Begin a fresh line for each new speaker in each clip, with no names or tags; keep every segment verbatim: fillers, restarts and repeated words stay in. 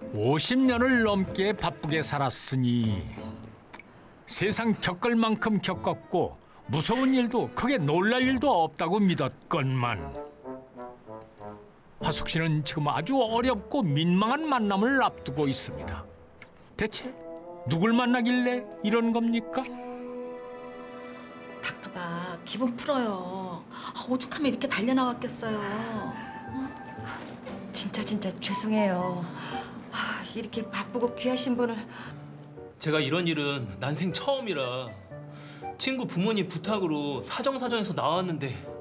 오십 년을 넘게 바쁘게 살았으니 세상 겪을 만큼 겪었고 무서운 일도 크게 놀랄 일도 없다고 믿었건만 화숙 씨는 지금 아주 어렵고 민망한 만남을 앞두고 있습니다. 대체 누굴 만나길래 이런 겁니까?
닥터봐, 기분 풀어요. 아, 오죽하면 이렇게 달려나왔겠어요.
진짜 진짜 죄송해요. 아, 이렇게 바쁘고 귀하신 분을
제가 이런 일은 난생 처음이라 친구 부모님 부탁으로 사정사정해서 나왔는데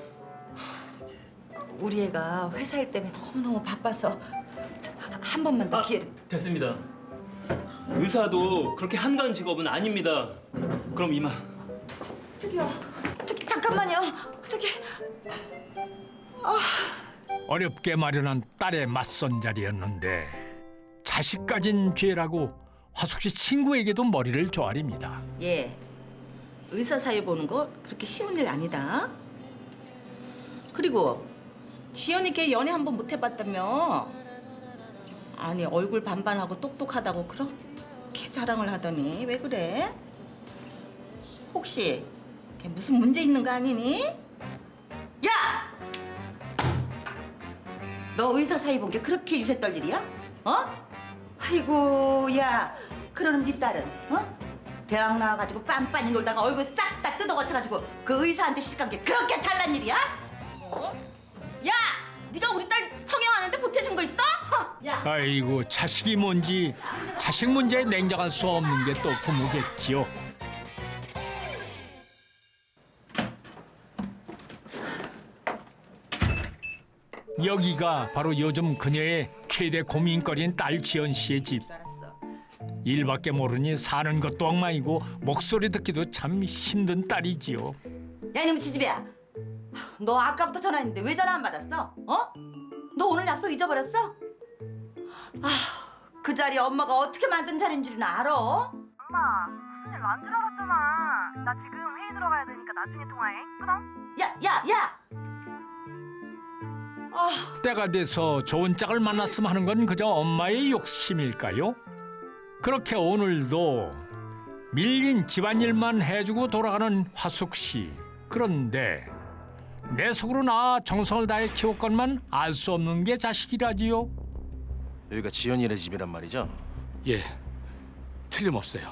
우리 애가 회사 일 때문에 너무너무 바빠서 한 번만 더
아,
기회를.
됐습니다. 의사도 그렇게 한가한 직업은 아닙니다. 그럼 이만.
저기요. 저기 잠깐만요. 저기
어렵게 마련한 딸의 맞선 자리였는데 자식 가진 죄라고 화숙 씨 친구에게도 머리를 조아립니다.
예, 의사 사이 보는 거 그렇게 쉬운 일 아니다. 그리고 지연이 걔 연애 한 번 못 해봤다며. 아니, 얼굴 반반하고 똑똑하다고 그렇게 자랑을 하더니 왜 그래? 혹시 걔 무슨 문제 있는 거 아니니?
야! 너 의사 사이 본 게 그렇게 유세 떨 일이야? 어? 아이고 야, 그러는 네 딸은 어? 대학 나와가지고 빤빤히 놀다가 얼굴 싹 다 뜯어거쳐가지고 그 의사한테 시집간 게 그렇게 잘난 일이야?
야! 네가 우리 딸 성형하는데 보태준 거 있어? 야!
아이고 자식이 뭔지 자식 문제에 냉정할 수 없는 게 또 부모겠지요. 여기가 바로 요즘 그녀의 최대 고민거리인 딸 지연 씨의 집.
알았어.
일밖에 모르니 사는 것도 엉망이고 목소리 듣기도 참 힘든 딸이지요.
야 이놈 지지배야. 너 아까부터 전화했는데 왜 전화 안 받았어? 어? 너 오늘 약속 잊어버렸어? 아, 그 자리 엄마가 어떻게 만든 자리인 줄은 알아?
엄마, 무슨 일 난 줄 알았잖아. 나 지금 회의 들어가야 되니까 나중에 통화해. 끊어?
야, 야, 야! 아,
때가 돼서 좋은 짝을 만났으면 하는 건 그저 엄마의 욕심일까요? 그렇게 오늘도 밀린 집안일만 해주고 돌아가는 화숙 씨. 그런데 내 속으로 나 정성을 다해 키웠건만 알 수 없는 게 자식이라지요.
여기가 지연이네 집이란 말이죠?
예, 틀림없어요.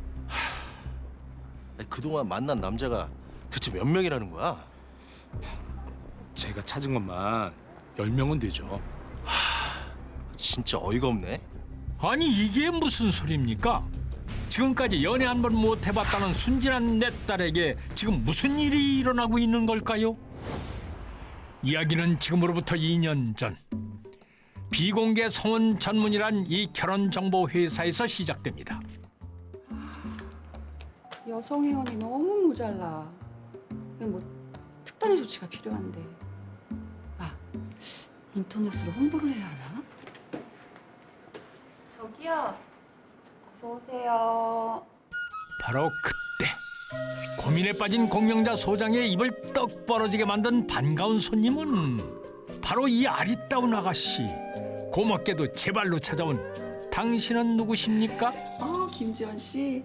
아니, 그동안 만난 남자가 대체 몇 명이라는 거야?
제가 찾은 것만 열 명은 되죠.
진짜 어이가 없네.
아니 이게 무슨 소리입니까? 지금까지 연애 한 번 못 해봤다는 순진한 내 딸에게 지금 무슨 일이 일어나고 있는 걸까요? 이야기는 지금으로부터 이 년 전 비공개 성혼 전문이란 이 결혼정보 회사에서 시작됩니다.
여성 회원이 너무 모자라. 그냥 뭐 특단의 조치가 필요한데. 아, 인터넷으로 홍보를 해야 하나?
저기요. 어서 오세요.
바로 그때 고민에 빠진 공명자 소장의 입을 떡 벌어지게 만든 반가운 손님은 바로 이 아리따운 아가씨. 고맙게도 제 발로 찾아온 당신은 누구십니까?
어, 김지원 씨.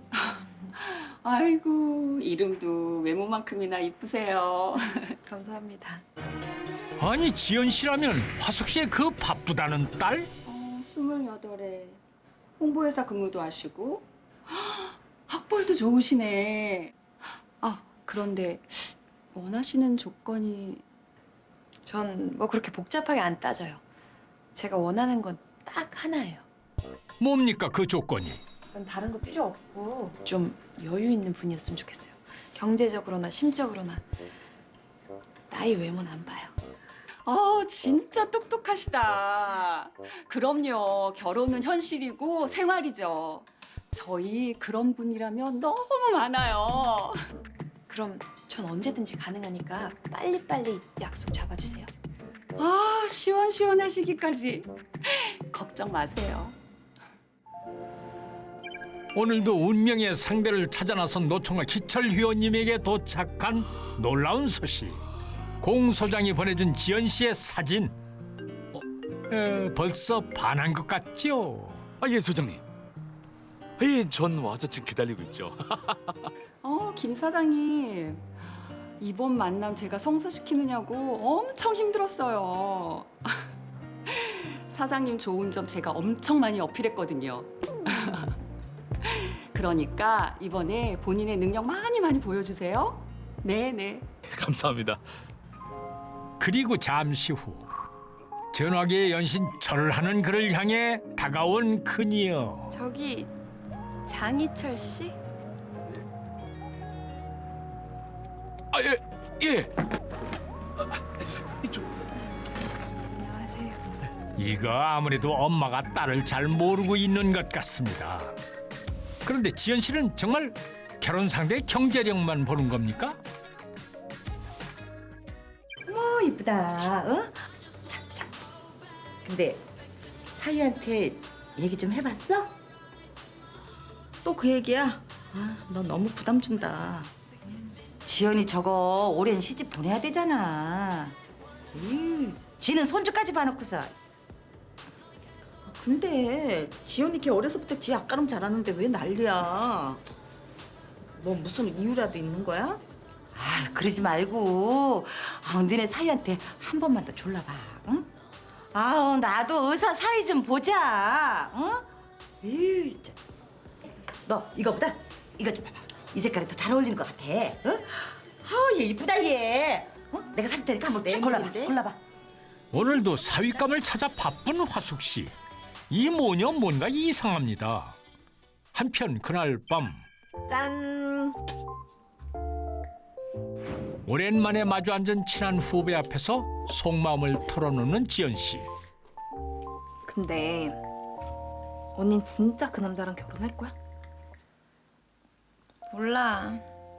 아이고, 이름도 외모만큼이나 이쁘세요.
감사합니다.
아니 지연 씨라면 화숙 씨의 그 바쁘다는 딸?
어, 스물여덟에 홍보회사 근무도 하시고 학벌도 좋으시네. 아, 그런데 원하시는 조건이
전 뭐 그렇게 복잡하게 안 따져요. 제가 원하는 건 딱 하나예요.
뭡니까 그 조건이?
전 다른 거 필요 없고 좀 여유 있는 분이었으면 좋겠어요. 경제적으로나 심적으로나. 나이 외모는 안 봐요.
아, 진짜 똑똑하시다. 그럼요. 결혼은 현실이고 생활이죠. 저희 그런 분이라면 너무 많아요.
그럼 전 언제든지 가능하니까 빨리빨리 약속 잡아주세요.
아, 시원시원하시기까지. 걱정 마세요.
오늘도 운명의 상대를 찾아 나선 노총각 기철 회원님에게 도착한 놀라운 소식. 공 소장이 보내준 지연 씨의 사진. 에, 벌써 반한 것 같죠?
아, 예, 소장님. 예, 전 와서 지금 기다리고 있죠.
어, 김 사장님. 이번 만남 제가 성사시키느냐고 엄청 힘들었어요. 사장님 좋은 점 제가 엄청 많이 어필했거든요. 그러니까 이번에 본인의 능력 많이 많이 보여주세요. 네, 네.
감사합니다.
그리고 잠시 후 전화기의 연신 절을 하는 그를 향해 다가온 그녀.
저기 장희철 씨?
아, 예, 예.
안녕하세요.
이거 아무래도 엄마가 딸을 잘 모르고 있는 것 같습니다. 그런데 지연 씨는 정말 결혼 상대 경제력만 보는 겁니까?
어머 이쁘다. 어? 자, 자. 근데 사위한테 얘기 좀 해봤어?
또 그 얘기야? 아, 너 너무 부담 준다.
지연이 저거 오랜 시집 보내야 되잖아. 이, 지는 손주까지 봐놓고서.
근데 지연이 걔 어려서부터 지 앞가름 잘하는데 왜 난리야? 뭐 무슨 이유라도 있는 거야?
아, 그러지 말고 아, 너네 사위한테 한 번만 더 졸라봐. 응? 아우 나도 의사 사위 좀 보자. 응? 에이, 참. 너 이거 보다 이거 좀 봐봐. 이 색깔이 더 잘 어울리는 것 같아. 응? 아얘 이쁘다 얘. 어? 내가 살 테니까 한번 쭉 골라봐.
맹물인데?
골라봐.
오늘도 사윗감을 찾아 바쁜 화숙 씨. 이 모녀 뭔가 이상합니다. 한편 그날 밤
짠.
오랜만에 마주 앉은 친한 후배 앞에서 속마음을 털어놓는 지연 씨.
근데 언닌 진짜 그 남자랑 결혼할 거야?
몰라.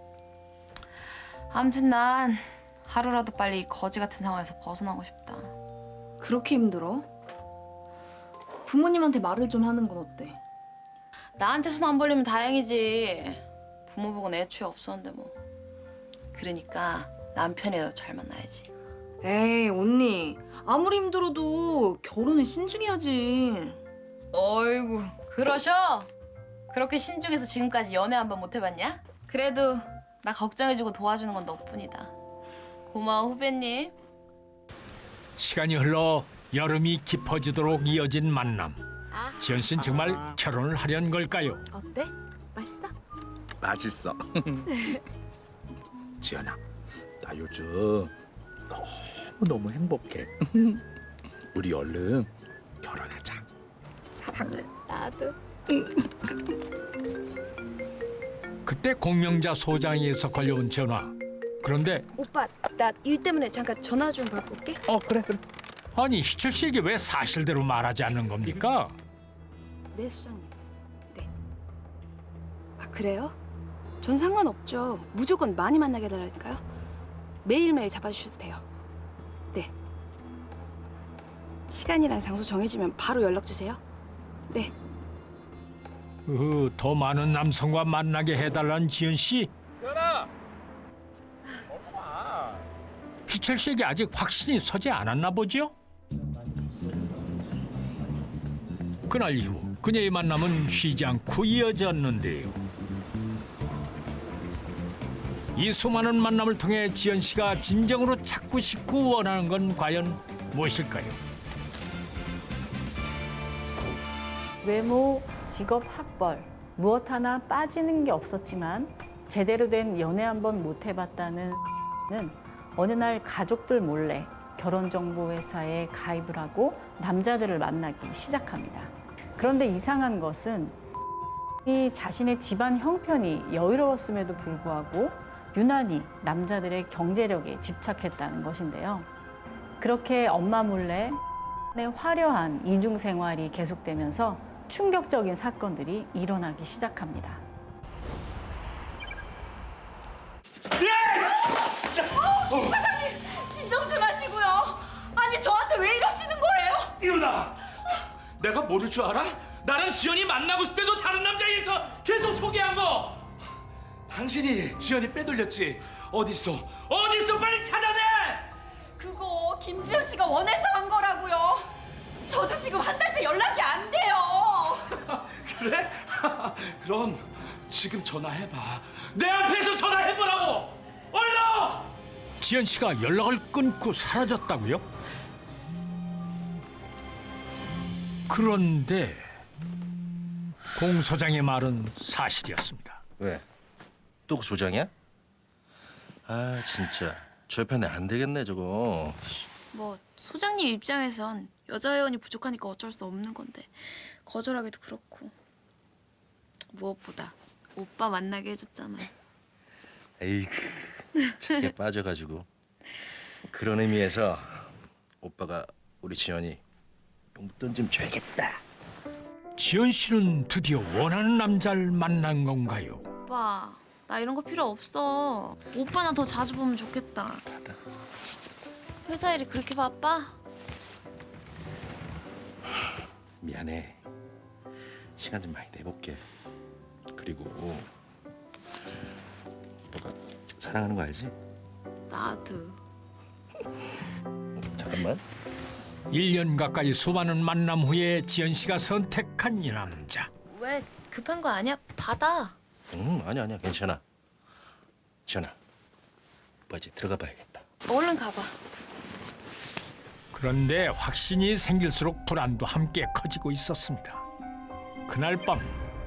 아무튼 난 하루라도 빨리 이 거지 같은 상황에서 벗어나고 싶다.
그렇게 힘들어? 부모님한테 말을 좀 하는 건 어때?
나한테 손 안 벌리면 다행이지. 부모 보고는 애초에 없었는데 뭐. 그러니까 남편이라도 잘 만나야지.
에이 언니 아무리 힘들어도 결혼은 신중해야지.
어이구 그러셔? 그렇게 신중해서 지금까지 연애 한 번 못 해봤냐? 그래도 나 걱정해주고 도와주는 건 너뿐이다. 고마워 후배님.
시간이 흘러 여름이 깊어지도록 이어진 만남. 지연 씨는 정말 결혼을 하려는 걸까요?
어때? 맛있어?
맛있어. 지연아, 나 요즘 너무 너무 행복해. 우리 얼른 결혼하자.
나도.
그때 공명자 소장이에서 걸려온 전화. 그런데
오빠 나 일 때문에 잠깐 전화 좀 받고 올게.
어, 그래, 그래.
아니 희철 씨에게 왜 사실대로 말하지 않는 겁니까?
네 수장님. 네. 아 그래요? 전 상관없죠. 무조건 많이 만나게 해달라니까요. 매일매일 잡아주셔도 돼요. 네. 시간이랑 장소 정해지면 바로 연락 주세요. 네.
으, 더 많은 남성과 만나게 해달라는 지연 씨.
지연아.
희철 씨에게 아직 확신이 서지 않았나 보죠? 그날 이후 그녀의 만남은 쉬지 않고 이어졌는데요. 이 수많은 만남을 통해 지연 씨가 진정으로 찾고 싶고 원하는 건 과연 무엇일까요?
외모, 직업, 학벌 무엇 하나 빠지는 게 없었지만 제대로 된 연애 한 번 못 해봤다는 는 어느 날 가족들 몰래 결혼정보회사에 가입을 하고 남자들을 만나기 시작합니다. 그런데 이상한 것은 이 자신의 집안 형편이 여유로웠음에도 불구하고 유난히 남자들의 경제력에 집착했다는 것인데요. 그렇게 엄마 몰래 화려한 이중 생활이 계속되면서 충격적인 사건들이 일어나기 시작합니다.
진정 좀 하시고요. 아니 저한테 왜 이러시는 거예요?
이유다. 내가 모를 줄 알아? 나랑 지연이 만나고 있을 때도 다른 남자에서 계속 소개한 거. 당신이 지연이 빼돌렸지. 어딨어? 어딨어? 빨리 찾아내.
그거 김지현 씨가 원해서 한 거라고요. 저도 지금 한 달째 연락이 안 돼요.
그래? 그럼 지금 전화해봐. 내 앞에서 전화해보라고. 얼른!
지연 씨가 연락을 끊고 사라졌다고요? 그런데 공 소장의 말은 사실이었습니다.
왜? 또 그 소장이야? 아 진짜 저 편에 안 되겠네 저거.
뭐 소장님 입장에선 여자 회원이 부족하니까 어쩔 수 없는 건데 거절하기도 그렇고 무엇보다 오빠 만나게 해줬잖아.
에이그 착해 빠져가지고. 그런 의미에서 오빠가 우리 지연이 용돈 좀 줘야겠다.
지연 씨는 드디어 원하는 남자를 만난 건가요?
오빠 나 이런 거 필요 없어. 오빠나 더 자주 보면 좋겠다. 회사 일이 그렇게 바빠?
미안해. 시간 좀 많이 내볼게. 그리고 오빠가 사랑하는 거 알지?
나도.
잠깐만.
일 년 가까이 수많은 만남 후에 지연 씨가 선택한 이 남자.
왜 급한 거 아니야? 받아.
응 아니야 아니야 괜찮아. 지연아 오빠 이제 들어가 봐야겠다.
얼른 가봐.
그런데 확신이 생길수록 불안도 함께 커지고 있었습니다. 그날 밤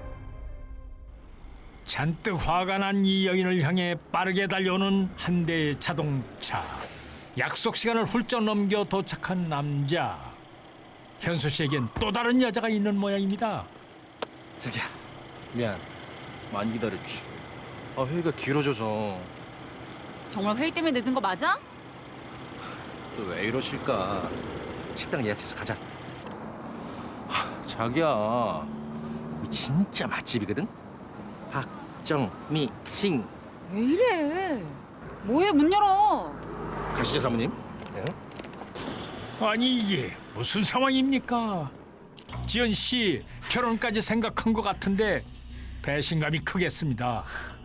잔뜩 화가 난 이 여인을 향해 빠르게 달려오는 한 대의 자동차. 약속 시간을 훌쩍 넘겨 도착한 남자. 현수 씨에겐 또 다른 여자가 있는 모양입니다.
자기야 미안 많이 기다렸지. 아 회의가 길어져서.
정말 회의 때문에 늦은 거 맞아?
또 왜 이러실까. 식당 예약해서 가자. 하, 자기야 이 진짜 맛집이거든. 박정미 싱.
왜 이래? 뭐해 문 열어.
가시죠 사모님. 네.
아니 이게 무슨 상황입니까? 지연 씨 결혼까지 생각한 것 같은데 배신감이 크겠습니다.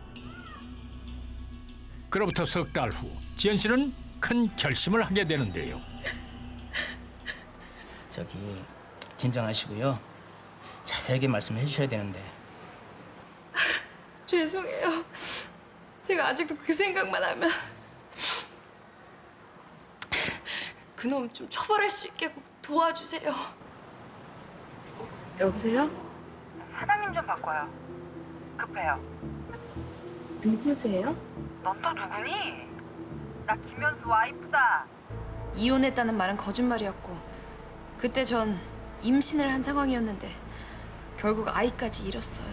그로부터 석 달 후 지연 씨는 큰 결심을 하게 되는데요.
저기 진정하시고요. 자세하게 말씀해 주셔야 되는데.
죄송해요. 제가 아직도 그 생각만 하면 그놈 좀 처벌할 수 있게 꼭 도와주세요. 여보세요?
사장님 좀 바꿔요. 급해요.
누구세요?
넌 또 누구니? 나 김현수 와이프다.
이혼했다는 말은 거짓말이었고 그때 전 임신을 한 상황이었는데 결국 아이까지 잃었어요.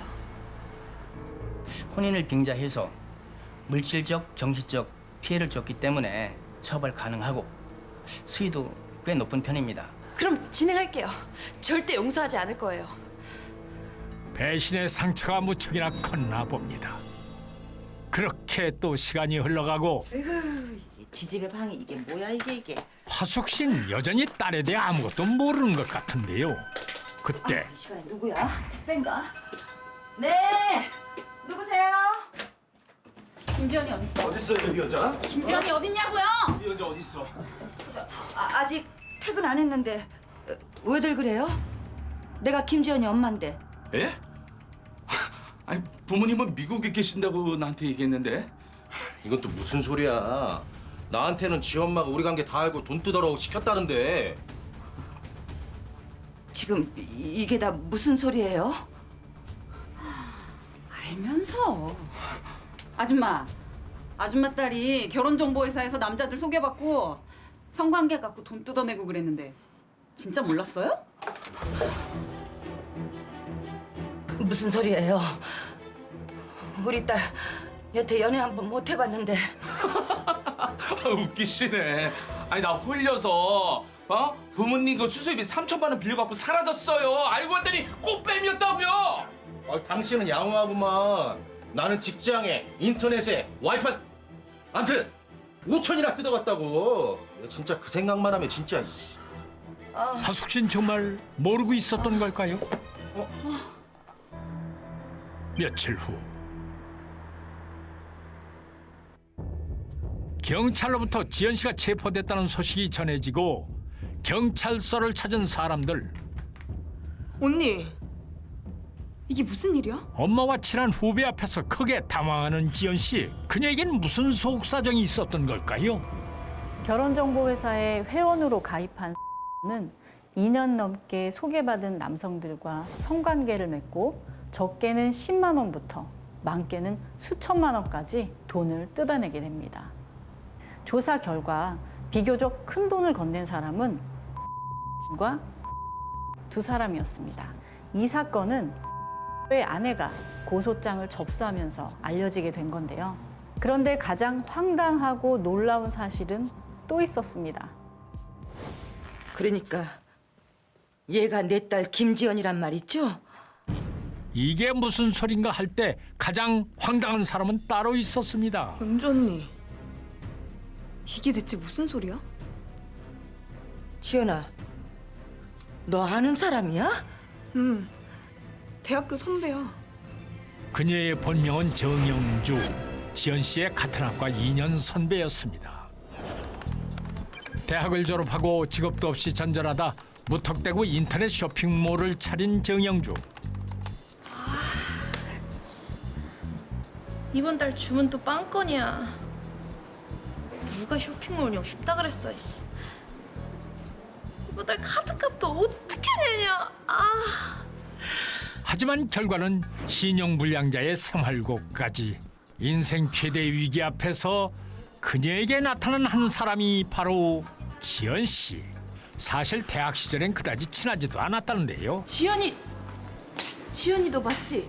혼인을 빙자해서 물질적, 정신적 피해를 줬기 때문에 처벌 가능하고 수위도 꽤 높은 편입니다.
그럼 진행할게요. 절대 용서하지 않을 거예요.
배신의 상처가 무척이나 컸나 봅니다. 그렇게 또 시간이 흘러가고
아이고 이게 지집의 방이 이게 뭐야 이게 이게.
화숙 씨는 여전히 딸에 대해 아무것도 모르는 것 같은데요. 그때
이 시간에 누구야? 택배인가? 네 누구세요?
김지연이 어딨어?
어딨어 여기 여자?
김지연이 어딨냐고요?
이 여자 어딨어?
아, 아직 퇴근 안 했는데 어, 왜들 그래요? 내가 김지연이 엄마인데.
예? 아니 부모님은 미국에 계신다고 나한테 얘기했는데.
이건 또 무슨 소리야. 나한테는 지 엄마가 우리 관계 다 알고 돈 뜯으라고 시켰다는데.
지금 이- 이게 다 무슨 소리예요?
알면서. 아줌마. 아줌마 딸이 결혼정보회사에서 남자들 소개받고 성관계 갖고 돈 뜯어내고 그랬는데 진짜 몰랐어요?
무슨 소리예요? 우리 딸 여태 연애 한 번 못 해봤는데.
아, 웃기시네. 아니 나 홀려서 어 부모님 그 수수입이 삼천만 원 빌려갖고 사라졌어요. 알고 봤더니 꽃뱀이었다고요.
아, 당신은 양호하구만. 나는 직장에, 인터넷에, 와이파이. 암튼 오천이나 뜯어갔다고. 내가 진짜 그 생각만 하면 진짜. 이씨.
화숙 씨는 정말 모르고 있었던 걸까요? 며칠 후 경찰로부터 지연 씨가 체포됐다는 소식이 전해지고 경찰서를 찾은 사람들.
언니, 이게 무슨 일이야?
엄마와 친한 후배 앞에서 크게 당황하는 지연 씨. 그녀에겐 무슨 속사정이 있었던 걸까요?
결혼정보회사에 회원으로 가입한 는 이 년 넘게 소개받은 남성들과 성관계를 맺고 적게는 십만 원부터 많게는 수천만 원까지 돈을 뜯어내게 됩니다. 조사 결과 비교적 큰 돈을 건넨 사람은 과 두 사람이었습니다. 이 사건은 의 아내가 고소장을 접수하면서 알려지게 된 건데요. 그런데 가장 황당하고 놀라운 사실은 또 있었습니다.
그러니까 얘가 내 딸 김지연이란 말이죠?
이게 무슨 소린가 할 때 가장 황당한 사람은 따로 있었습니다.
은주 언니, 이게 대체 무슨 소리야?
지연아, 너 아는 사람이야?
응, 대학교 선배야.
그녀의 본명은 정영주. 지연 씨의 같은 학과 이 년 선배였습니다. 대학을 졸업하고 직업도 없이 전전하다 무턱대고 인터넷 쇼핑몰을 차린 정영주.
이번 달 주문 또 빵건이야. 누가 쇼핑몰 운영 쉽다 그랬어. 씨. 이번 달 카드값도 어떻게 내냐. 아.
하지만 결과는 신용불량자의 생활고까지. 인생 최대 위기 앞에서 그녀에게 나타난 한 사람이 바로 지연 씨. 사실 대학 시절엔 그다지 친하지도 않았다는데요.
지연이, 지연이 너 맞지?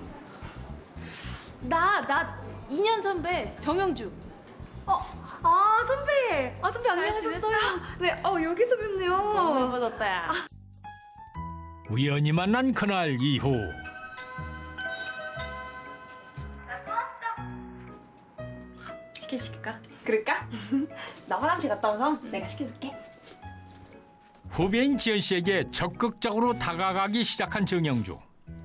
나, 나 이 년 선배 정영주.
어, 아 선배, 아 선배 안녕하셨어요? 네, 어 여기서 뵙네요.
너무 예뻐졌다 야.
우연히 만난 그날 이후
치킨 시킬까?
그럴까? 나 화장실 갔다 와서 내가 시켜줄게.
후배인 지연 씨에게 적극적으로 다가가기 시작한 정영주.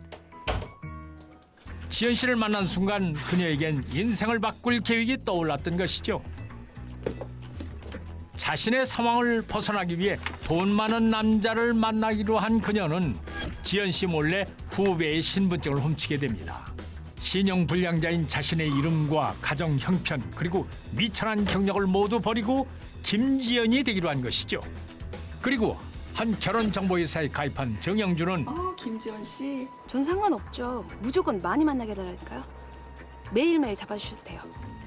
지연 씨를 만난 순간 그녀에겐 인생을 바꿀 계획이 떠올랐던 것이죠. 자신의 상황을 벗어나기 위해 돈 많은 남자를 만나기로 한 그녀는 지연 씨 몰래 후배의 신분증을 훔치게 됩니다. 신용불량자인 자신의 이름과 가정 형편 그리고 미천한 경력을 모두 버리고 김지연이 되기로 한 것이죠. 그리고 한 결혼정보회사에 가입한 정영주는
어, 김지연 씨.
전 상관없죠. 무조건 많이 만나게 해달라니까요. 매일매일 잡아주셔도 돼요.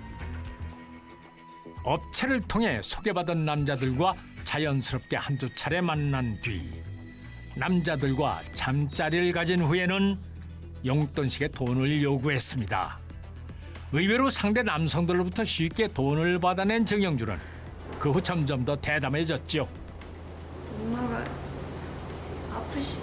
업체를 통해 소개받은 남자들과 자연스럽게 한두 차례 만난 뒤 남자들과 잠자리를 가진 후에는 용돈식의 돈을 요구했습니다. 의외로 상대 남성들로부터 쉽게 돈을 받아낸 정영주는 그 후 점점 더 대담해졌죠.
엄마가 아프시대.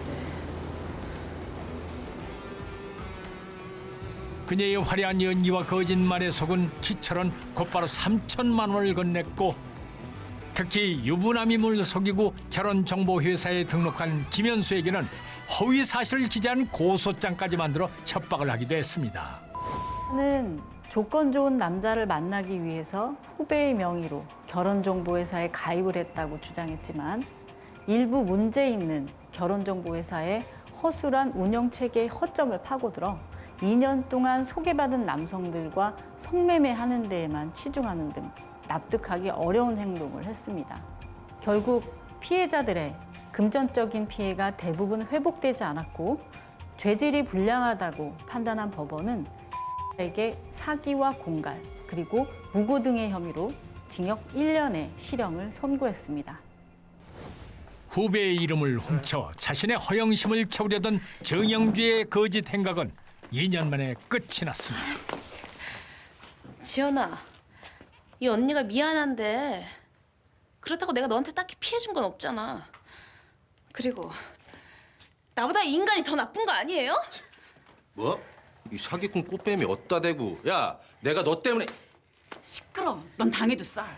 그녀의 화려한 연기와 거짓말에 속은 기철은 곧바로 삼천만 원을 건넸고 특히 유부남임을 속이고 결혼정보회사에 등록한 김현수에게는 허위 사실을 기재한 고소장까지 만들어 협박을 하기도 했습니다.
는 조건 좋은 남자를 만나기 위해서 후배의 명의로 결혼정보회사에 가입을 했다고 주장했지만 일부 문제 있는 결혼정보회사의 허술한 운영체계의 허점을 파고들어 이 년 동안 소개받은 남성들과 성매매하는 데에만 치중하는 등 납득하기 어려운 행동을 했습니다. 결국 피해자들의 금전적인 피해가 대부분 회복되지 않았고 죄질이 불량하다고 판단한 법원은 에게 사기와 공갈 그리고 무고 등의 혐의로 징역 일 년의 실형을 선고했습니다.
후배의 이름을 훔쳐 자신의 허영심을 채우려던 정영주의 거짓 행각은 이 년 만에 끝이 났습니다.
지연아, 이 언니가 미안한데 그렇다고 내가 너한테 딱히 피해준 건 없잖아. 그리고 나보다 이 인간이 더 나쁜 거 아니에요?
뭐? 이 사기꾼 꽃뱀이 어디다 대고. 야, 내가 너 때문에.
시끄러. 넌 당해도 싸.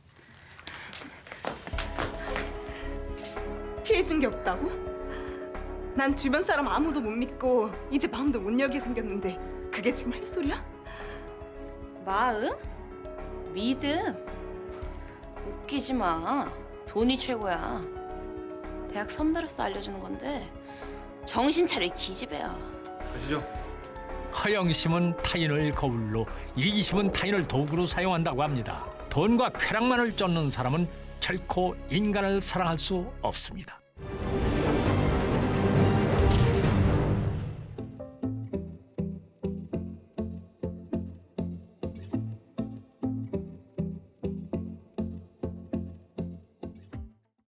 피해준 게 없다고? 난 주변 사람 아무도 못 믿고 이제 마음도 못 열게 생겼는데 그게 지금 할 소리야?
마음? 믿음? 웃기지 마. 돈이 최고야. 대학 선배로서 알려주는 건데 정신 차릴 기집애야.
가시죠.
허영심은 타인을 거울로, 이기심은 타인을 도구로 사용한다고 합니다. 돈과 쾌락만을 쫓는 사람은 결코 인간을 사랑할 수 없습니다.